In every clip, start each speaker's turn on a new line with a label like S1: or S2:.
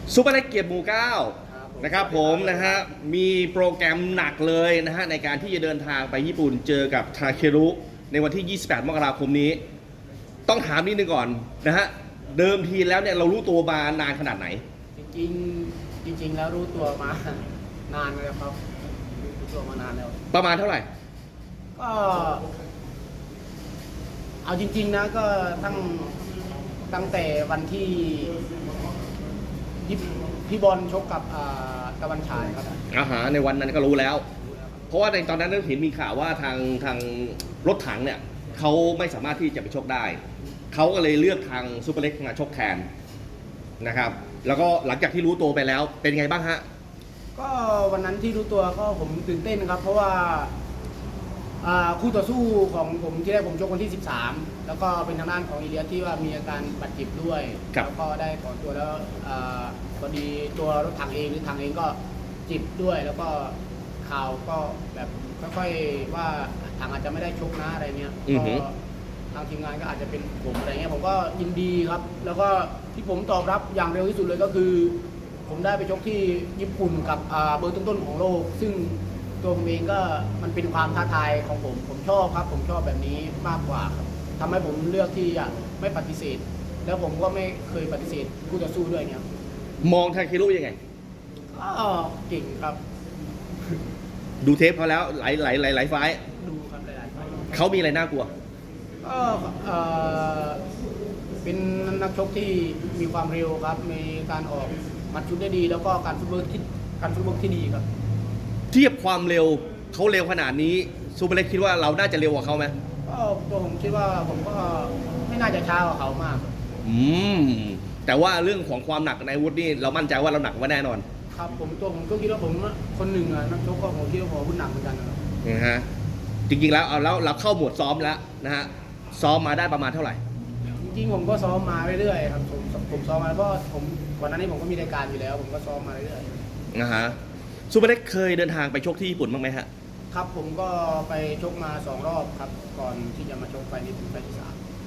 S1: ซูเปอร์เล็กเกียรติหมู่เก้า
S2: ครับ
S1: นะครับผมนะฮะมีโปรแกรมหนักเลยนะฮะในการที่จะเดินทางไปญี่ปุ่นเจอกับทาเครุในวันที่ 28 มกราคมนี้ ต้องถามนิดนึงก่อนนะฮะเดิมทีแล้วเนี่ยเรารู้ตัวมานานขนาดไหน
S2: จริงแล้วรู้ตัวมานานแล้วครับรู้ตัวมานานแล้ว
S1: ประมาณเท่าไหร่
S2: ก็เอาจริงๆนะก็ตั้งแต่วันที่พี่บอลชกกับตะวันฉายครับ
S1: ในวันนั้นก็รู้แล้ว เพราะว่าในตอนนั้นเห็นมีข่าวว่าทางรถถังเนี่ยเขาไม่สามารถที่จะไปชกได้เขาก็เลยเลือกทางซูเปอร์เล็กมาชกแทนนะครับแล้วก็หลังจากที่รู้ตัวไปแล้วเป็นไงบ้างฮะ
S2: ก็วันนั้นที่รู้ตัวก็ผมตื่นเต้นครับ เพราะว่าคู่ต่อสู้ของผมที่แรกผมชกวันที่ 13 แล้วก็เป็นทางด้านของอีเลียสที่ว่ามีอาการบาดเจ็บด้วยแล้วก็ได้ถอนตัวแล้วพอดีตัวรถถังเองหรือถังเองก็เจ็บด้วย แล้วก็ข่าวก็แบบค่อยๆว่าถังอาจจะไม่ได้ชกนะอะไรเงี้ยก็ทางทีมงานก็อาจจะเป็นผมอะไรเงี้ยผมก็ยินดีครับ แล้วก็ที่ผมตอบรับอย่างเร็วที่สุดเลยก็คือ ผมได้ไปชกที่ญี่ปุ่นกับเบอร์ต้นๆของโลกซึ่งตัวผมเองก็มันเป็นความท้าทายของผมชอบครับผมชอบแบบนี้มากกว่าครับทำให้ผมเลือกที่จะไม่ปฏิเสธ แล้วผมก็ไม่เคยปฏิเสธคู่ต่อสู้ด้วยเนี่ย
S1: มองทาเครุยังไง
S2: ก็เก่งครับ
S1: ดูเทปเขาแล้วหลายไฟล์
S2: ดูครับหลายๆไฟล์
S1: เขามีอะไรน่ากลัว
S2: ก็เป็นนักชกที่มีความเร็วครับมีการออกหมัดชุดได้ดี แล้วก็การฟุตเวิร์กที่ดีครับ
S1: เทียบความเร็วเขาเร็วขนาดนี้ซูเปอร์เล็กคิดว่าเราน่าจะเร็วกว่าเขาไหม
S2: ก็ตัวผมคิดว่าผมก็ไม่น่าจะช้ากว่าเขามาก
S1: แต่ว่าเรื่องของความหนักในอาวุธนี่เรามั่นใจว่าเราหนักกว่าแน่นอน
S2: ครับผมก็คิดว่าผมคนหนึ่งอะนักชกก็ผมคิดว่าผมอาวุธหนักเหมือนกันนะครับ
S1: นะฮะจริงๆแล้วเอาแล้วเราเข้าหมวดซ้อมแล้วนะฮะซ้อมมาได้ประมาณเท่าไหร่
S2: จริงๆผมก็ซ้อมมาเรื่อยๆครับผมซ้อมมาแล้วก็ผมก่อนหน้านี้ผมก็มีรายการอยู่แล้ว ผมก็ซ้อมมาเรื่อย
S1: นะฮะซูเปอร์เล็กเคยเดินทางไปชกที่ญี่ปุ่นบ้างไหมฮะ
S2: ๆครับผมก็ไปชกมา2 รอบครับก่อนที่จะมาชกไฟนี้ถึงไฟที่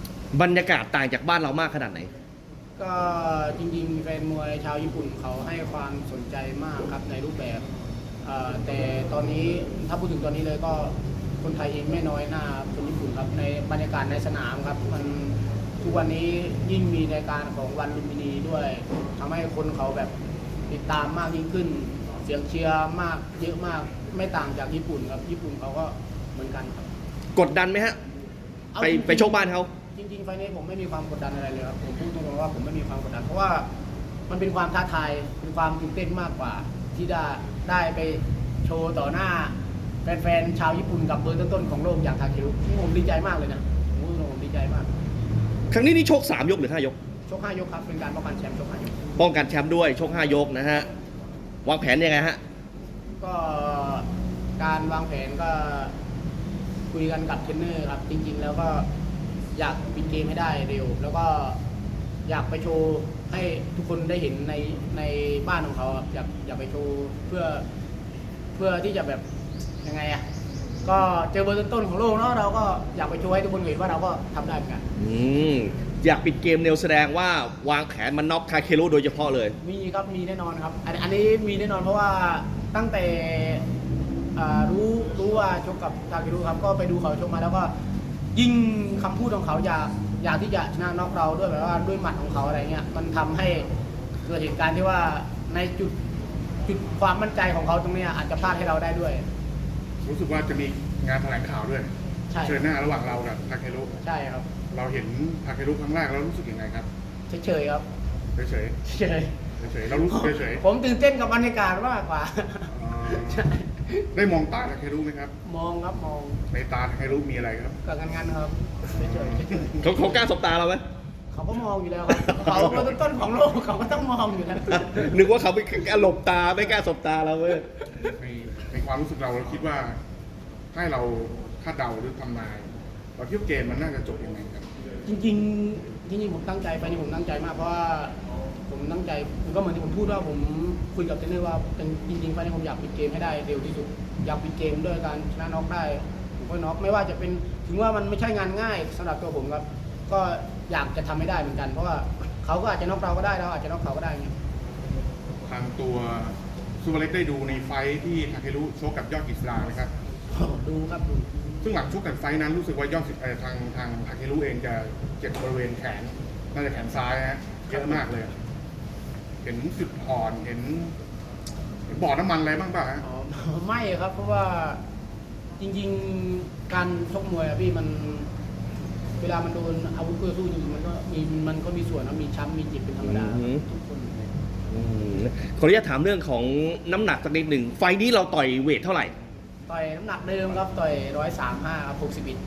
S2: 3
S1: บรรยากาศต่างจากบ้านเรามากขนาดไหน
S2: ก็จริงๆแฟนมวยชาวญี่ปุ่นเขาให้ความสนใจมากครับในรูปแบบแต่ตอนนี้ถ้าพูดถึงตอนนี้เลยก็คนไทยเองไม่น้อยหน้าคนญี่ปุ่นครับในบรรยากาศในสนามครับมันทุกวันนี้ยิ่งมีรายการของวันลุมพินีด้วยทำให้คนเขาแบบติดตามมากยิ่งขึ้น เสียงเชียร์มากเยอะมากไม่ต่างจากญี่ปุ่นครับญี่ปุ่นเขาก็เหมือนกันครับ
S1: กดดันไหมฮะ
S2: เอาจริงๆ
S1: ไปชกบ้านเขา
S2: จริงๆไฟล์นี้ผมไม่มีความกดดันอะไรเลยครับผมพูดตรงๆว่าผมไม่มีความกดดันเพราะว่ามันเป็นความท้าทายเป็นความตื่นเต้นมากกว่า ที่ได้ไปโชว์ต่อหน้าแฟนๆชาวญี่ปุ่นกับเบอร์ต้นๆของโลกอย่างทาเครุนี่ผมดีใจมากเลยนะผมดีใจมาก
S1: ครั้งนี้นี่ชก3 ยกหรือ 5 ยก
S2: ชก5 ยกครับเป็นการป้องกันแชมป์ชก5 ยก
S1: ป้องกันแชมป์ด้วยชก5 ยกนะฮะวางแผนยังไงฮะ
S2: ก็การวางแผนก็คุยกันกับเทรนเนอร์ครับจริงๆแล้วก็อยากปิดเกมให้ได้เร็ว แล้วก็อยากไปโชว์ให้ทุกคนได้เห็นในบ้านของเขาครับอยากไปโชว์เพื่อที่จะแบบยังไงอ่ะก็เจอเบอร์ต้นๆของโลกเนาะเราก็อยากไปโชว์ให้ทุกคนเห็นว่าเราก็ทำได้เหมือนกัน
S1: อยากปิดเกมเนวแสดงว่าวางแผนมันน็อกทาเครุโดยเฉพาะเลย
S2: มีครับมีแน่นอนครับอันนี้มีแน่นอนเพราะว่าตั้งแต่รู้ว่าชกกับทาเครุครับก็ไปดูเขาชกมาแล้วก็ยิ่งคำพูดของเขาอยากที่จะชนะน็อกเราด้วยแบบว่าด้วยหมัดของเขาอะไรเงี้ยมันทำให้เกิดเหตุการณ์ที่ว่าในจุดความมั่นใจของเขาตรงนี้อาจจะพลาดให้เราได้ด้วย
S3: รู้สึกว่าจะมีงานแถลงข่าวด้วย
S2: ใช่
S3: เชิญหน้าระหว่างเรากับทาเครุ
S2: ใช่ครับ
S3: เราเห็นทาเครุครั้งแรกแล้วรู้สึกยังไงครับ
S2: เฉยๆครับ
S3: เฉย
S2: เฉย
S3: ๆเฉยๆเรารู้สึกเฉย
S2: ผมตื่นเต้นกับบรรยากาศมากกว่า
S3: ๆ
S2: ใช่
S3: ได้มองตาทาเครุไหมครับ
S2: มองครับมอง
S3: ในตาทาเครุมีอะไรครับ
S2: กับงันๆครับเฉยๆ
S1: เขากล้าสบตาเราไหม
S2: เขาก็มองอยู่แล้วครับเขาเป็นต้นของโลกเขาก็ต้องมองอยู่แล้ว
S1: นึกว่าเขาไปกล้าหลบตาไม่กล้าสบตาเราเว้ย
S3: ในความรู้สึกเราคิดว่าให้เราคาดเดาหรือทำนายเราคิดว่าเกมมันน่าจะจบยังไงครับ
S2: จริงๆผมตั้งใจไปนี่ผมตั้งใจมากเพราะว่าผมตั้งใจผมก็เหมือนที่ผมพูดว่าผมคุยกับเทรนเนอร์ว่าจริงๆไฟล์นี้ผมอยากปิดเกมให้ได้เร็วที่สุดอยากปิดเกมด้วยการชนะน็อกได้ผมก็น็อกไม่ว่าจะเป็นถึงว่ามันไม่ใช่งานง่ายสำหรับตัวผมครับก็อยากจะทำให้ได้เหมือนกันเพราะว่าเขาก็อาจจะน็อกเราก็ได้เราอาจจะน็อกเขาก็ได้เงี้ย
S3: ทางตัวซูเปอร์เล็กได้ดูในไฟท์ที่ทาเครุชกกับยอดกฤษดานะครับ
S2: ดูครับดู
S3: ซึ่งหลังชกกันไฟท์นั้นรู้สึกว่ายอดทางทาเครุเองจะเจ็บบริเวณแขนน่าจะแขนซ้ายฮะเยอะมากเลย เห็นจุดอ่อนเห็นบ่อน้ำมันอะไรบ้างป่ะฮะ
S2: อ๋อ ไม่ครับ เพราะว่าจริงๆการชกมวยอะพี่มัน เวลามันโดนอาวุธคู่ต่อสู้จริงๆมันก็มีส่วนนะมีช้ำมีเจ็บเป็นธรรมดาทุกคน
S1: ขออนุญาตถามเรื่องของน้ำหนักสักนิดหนึ่งไฟล์นี้เราต่อยเวทเท่าไหร่
S2: ต่อยน้ำหนักเดิมครับต่อย135ครับ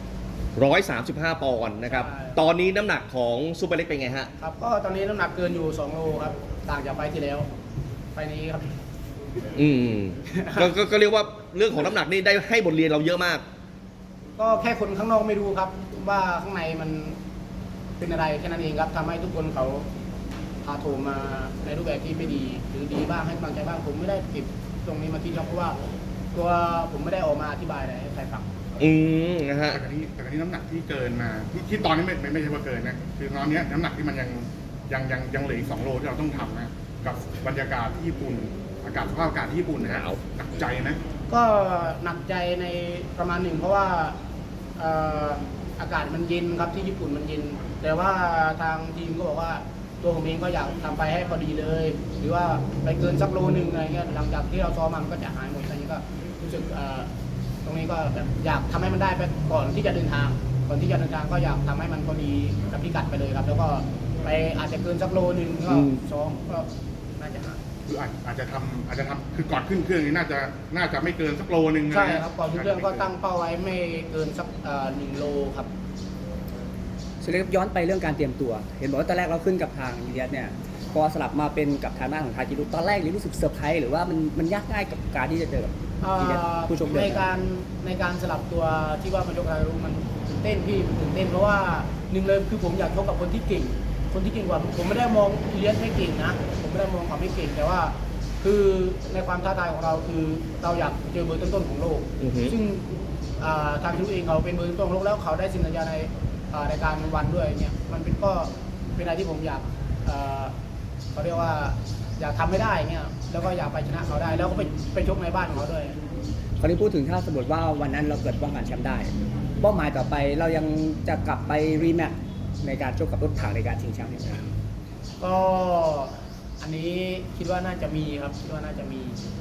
S2: 61
S1: 135 ปอนด์นะครับ
S2: ใช่
S1: ตอนนี้น้ำหนักของซูเปอร์เล็กเป็นไงฮะ
S2: ครับก็ตอนนี้น้ำหนักเกินอยู่2โลครับต่างจากไฟล์ที่แล้วไฟล์นี้ครับ
S1: อืมก็เรียกว่าเรื่องของน้ำหนักนี่ได้ให้บทเรียนเราเยอะมาก
S2: ก็แค่คนข้างนอกไม่รู้ครับ ว่าข้างในมันเป็นอะไรแค่นั้นเองครับทำให้ทุกคนเขาพาโถมมาในรูปแบบที่ไม่ดี หรือดีบ้างให้กำลังใจบ้างผมไม่ได้เก็บตรงนี้มาคิดครับเพราะว่าตัวผมไม่ได้ออกมาอธิบายอะไรให้ใครฟัง
S1: นะฮะ
S3: แต่กรณีน้ำหนักที่เกินมาที่ตอนนี้ไม่ใช่ว่าเกินนะคือตอนนี้น้ำหนักที่มันยังเหลืออีก2 โลที่เราต้องทำนะกับบรรยากาศที่ญี่ปุ่นอากาศสภาพอากาศที่ญี่ปุ่นนะ
S1: หนาว
S3: หนักใจนะ
S2: ก็หนักใจในประมาณหนึ่งเพราะว่าอากาศมันเย็นครับที่ญี่ปุ่นมันเย็น แต่ว่าทางทีมก็บอกว่าตัวผมเองก็อยากทำไปให้พอดีเลย หรือว่าไปเกินสักโลนึงอะไรเงี้ยหลังจากที่เราซ้อมมันก็จะหายหมดอะไรเงี้ยก็รู้สึกตรงนี้ก็แบบอยากทำให้มันได้ไปก่อนที่จะเดินทางก่อนที่จะเดินทางก็อยากทำให้มันพอดีกับพิกัดไปเลยครับ แล้วก็ไปอาจจะเกินสักโลนึงก็ซ้อมก็น่าจะหาย
S3: คืออาจจะทำคือก่อนขึ้นเครื่องนี่น่าจะไม่เกินสักโลนึงนะ
S2: ใช่ครับก่อนขึ้นเครื่องก็ตั้งเป้าไว้ไม่เกินสัก1 โลครับ
S4: สุดท้ายย้อนไปเรื่องการเตรียมตัว เห็นบอกว่าตอนแรกเราขึ้นกับทางอินเดียเนี่ยพอสลับมาเป็นกับทางด้านของทาจิรุตอนแรกนี่รู้สึกเซอร์ไพรส์หรือว่ามันยากง่ายกับการที่จะเจอกับอินเดียผู้ชมเดิ
S2: ใน
S4: ม
S2: การสลับตัวที่ว่ามันยกอะไรรู้มันตื่นเต้นพี่มันตื่นเต้นเพราะว่าหนึ่งเลยคือผมอยากชกกับคนที่เก่ง คนที่เก่งกว่าผมไม่ได้มองอิเลียสไม่เก่งนะผมไม่ได้มองเขาไม่เก่งแต่ว่า คือในความท้าทายของเราคือเราอยากเจอเบอร์ต้นๆของโลก
S1: อือฮึ
S2: ซึ่งทางทีมเองเขาเป็นเบอร์ต้นๆของโลกแล้วเขาได้สินสัญญาในรายการวันด้วยเนี่ยมันเป็นก็เป็นอะไรที่ผมอยากเขาเรียกว่าอยากทำให้ได้เงี้ยแล้วก็อยากไปชนะเขาได้ แล้วก็ไปชกในบ้านของเขาด้วย
S4: คราวนี้พูดถึงถ้าสมมติว่าวันนั้นเราเกิดป้องกันแชมป์ได้เป้าหมายต่อไปเรายังจะกลับไปรีแมตช์ในการชกกับรถถังในการชิงแชมป์อีกไหม
S2: ก็อันนี้คิดว่าน่าจะมีครับคิดว่าน่าจะมี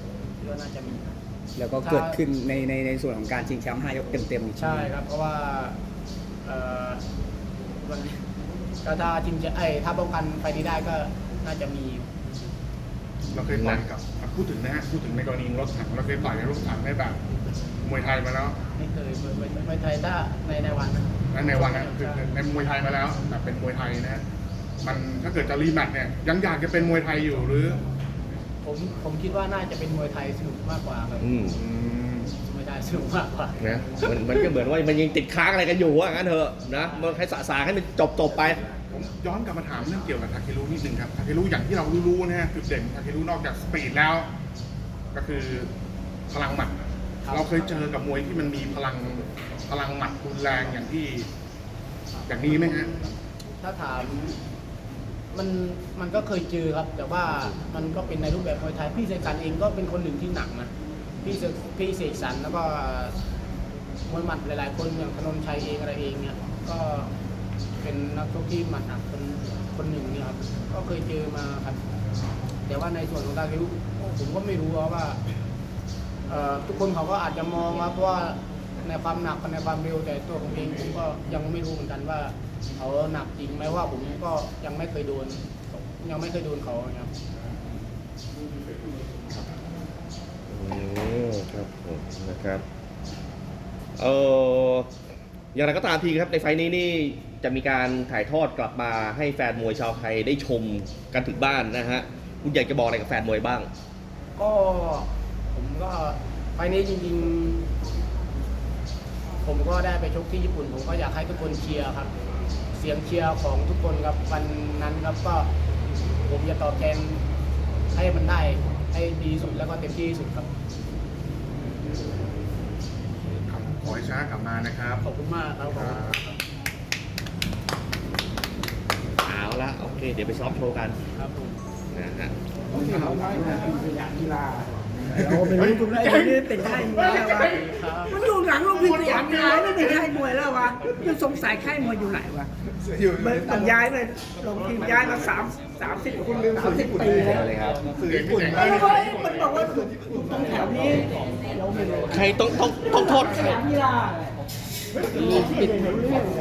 S4: แล้วก็เกิดขึ้นในส่วนของการชิงแชมป์5 ยกเต็มๆอีก
S2: ใช่ครับ เพราะว่าวันนี้ก็ถ้าทีมจะถ้าป้องกันไฟนี้ได้ก็น่าจะมี
S3: เราเคยต่อยกับพูดถึงนะฮะพูดถึงในกรณีรถถังเราเคยต่อยในรถถังในแบบมวยไทยมาแล้ว
S2: ไม่เคยไม่ไทยถ้าในวันนะ
S3: ในวันนั้นคือในมวยไทยมาแล้วแบบเป็นมวยไทยนะมันถ้าเกิดจะรีแมตช์เนี่ยยังอยากจะเป็นมวยไทยอยู่หรือ
S2: ผมคิดว่าน่าจะเป็นมวยไทยสนุกมากกว่าครับ
S1: อืม
S2: มวยไทยสนุกมากกว่า
S1: นะมันก็เหมือนว่ามันยังติดค้างอะไรกันอยู่ว่างั้นเถอะนะมันให้สาให้มันจบไป
S3: ผมย้อนกลับมาถามเรื่องเกี่ยวกับทาเครุนิดนึงครับทาเครุอย่างที่เรารู้ๆนะฮะจุดเด่นทาเครุนอกจากสปีดแล้ว ก็คือพลังหมัด
S2: ครับ
S3: เราเคยเจอกับมวยที่มันมีพลังหมัดรุนแรงอย่างนี้ไหมฮะ
S2: ถ้าถามมันก็เคยเจอครับ แต่ว่ามันก็เป็นในรูปแบบมวยไทยพี่เสกสรรเองก็เป็นคนหนึ่งที่หนักนะพี่เสกสรรแล้วก็มวยหมัดหลายๆคนอย่างธนนชัยเองอะไรเองเนี่ยก็เป็นนักชกที่หมัดหนักคนหนึ่งเนี่ยครับก็เคยเจอมาครับ แต่ว่าในส่วนของตาคิวผมก็ไม่รู้ว่าทุกคนเขาก็อาจจะมองว่าเพราะว่าในความหนักกับในความเร็วแต่ตัวผมเองผมก็ยังไม่รู้เหมือนกันว่าเขาหนักจริงไหมว่าผมก็ยังไม่เคยโดนเขาครับ
S1: ครับผมนะครับอย่างไรก็ตามทีครับในไฟล์นี้นี่จะมีการถ่ายทอดกลับมาให้แฟนมวยชาวไทยได้ชมกันถึงบ้านนะฮะคุณอยากจะบอกอะไรกับแฟนมวยบ้าง
S2: ก็ผมก็ไฟล์นี้จริงๆผมก็ได้ไปชกที่ญี่ปุ่นผมก็อยากให้ทุกคนเชียร์ครับ เสียงเชียร์ของทุกคนครับวันนั้นครับก็ผมจะตอบแทนให้มันได้ให้ดีที่สุดแล้วก็เต็มที่ที่สุดครับ
S3: ขอให้ชนะกลับมานะครับ
S2: ขอบคุณมากครับ
S1: เอาละโอเค เดี๋ยวไปซ้อมโชว์กัน
S2: ครับผม
S1: นะฮะ
S5: เราเป็นลูกคุณไอ้คนนี้เป็นค่ายมวยแล้ววะมันอยู่หลังโรงพยาบาลสยามกีฬาไม่เป็นค่ายมวยแล้ววะยังสงสัยค่ายมวยอยู่ไหนวะมันย้ายไปลงทีมย้ายมา30 คน30 ปีแล้ว
S1: เลยครับ
S3: สื่อญี่ปุ่น
S5: มันบอกว่าอยู่ตรงแถวนี้เราไม่รู้
S1: ใครต้องโทษใคร
S5: กีฬา